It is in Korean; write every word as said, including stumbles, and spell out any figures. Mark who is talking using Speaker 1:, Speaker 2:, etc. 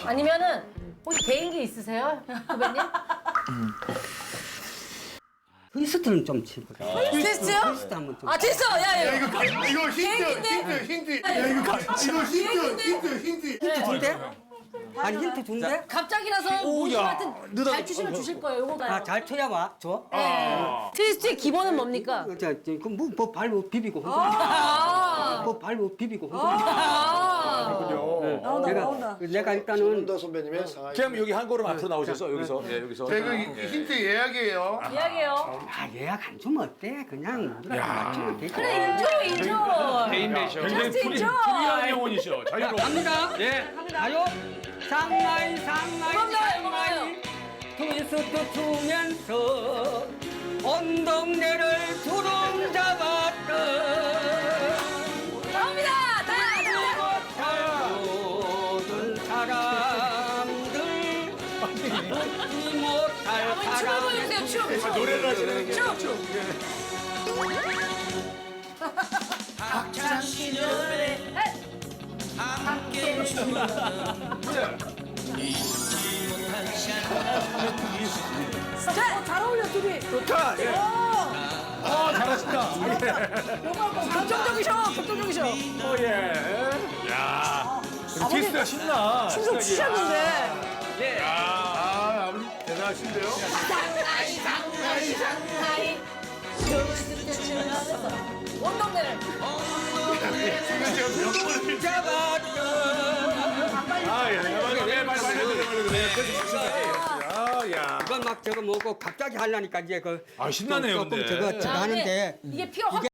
Speaker 1: 아니면은 혹시 개인기 있으세요, 후배님?
Speaker 2: 트위스트는 좀 치보자.
Speaker 1: 트위스트요?
Speaker 2: 트위스트 한번 좀.
Speaker 1: 아 됐어, 야, 야.
Speaker 3: 이거 이거 힌트
Speaker 1: 개인기인데?
Speaker 3: 힌트 힌트. 야 이거 이거 힌트 힌트 힌트.
Speaker 2: 힌트 준대? 아니 힌트 준대?
Speaker 1: 갑자기라서 모두한테 잘 추시면 주실 거예요, 요거가요.
Speaker 2: 아 잘 쳐야 와 줘.
Speaker 1: 네. 트위스트의 기본은 뭡니까?
Speaker 2: 어, 자, 그뭐 뭐 발로 비비고 흔들어.
Speaker 1: 아.
Speaker 2: 뭐 발로 비비고 흔들어.
Speaker 1: 아.
Speaker 4: 나온다
Speaker 2: 내가
Speaker 4: 나온다.
Speaker 2: 내가 일단은
Speaker 3: 손은더 선배님의 상하이.
Speaker 5: 그럼 여기 한 걸음 앞으로 나오셔서 여기서 예, 여기서.
Speaker 3: 제가 힌트 예약이에요.
Speaker 1: 이야기해요.
Speaker 2: 아 예약 안 주면 어때? 그냥 우리가 맞추면 되지.
Speaker 1: 그래, 인조, 인조.
Speaker 5: 개인 매셔.
Speaker 1: 굉장히 프리-
Speaker 5: 프리한 영혼이셔.
Speaker 2: 자, 갑니다. 예. 가요. 상하이 상하이
Speaker 1: 넘어가요,
Speaker 2: 상하이 트위스트 추면서 온 동네를 두름 잡았던
Speaker 1: 나옵니다. 다, 다.
Speaker 2: 모든 사람들 웃지 못할
Speaker 1: 한번 춤을
Speaker 2: 사람
Speaker 1: 보여주세요, 춤. 춤.
Speaker 5: 노래를 하시는 게.
Speaker 1: 춤, 춤.
Speaker 4: 어, 잘 어울려 둘이.
Speaker 5: 좋다. 예. 아, 잘하신다.
Speaker 4: 감정적이셔 감정적이셔.
Speaker 5: 어, 예. 야. 트위스트가 신나.
Speaker 4: 춤좀 추셨는데.
Speaker 5: 예.
Speaker 3: 아 아버지 대단하신데요.
Speaker 1: 상하이, 상하이, 상하이. 온 동네를.
Speaker 3: 지금 제가 몇 번을
Speaker 2: 잡았던
Speaker 5: 아, 예. 빨리 빨리 빨리 빨리 빨리. 아, 야.
Speaker 2: 이건 막 저거 뭐고 갑자기 하려니까 이제 그
Speaker 5: 아, 신나네요,
Speaker 2: 조금
Speaker 5: 근데.
Speaker 2: 저거 저거
Speaker 1: 아,
Speaker 2: 하는데
Speaker 1: 이게 피가 확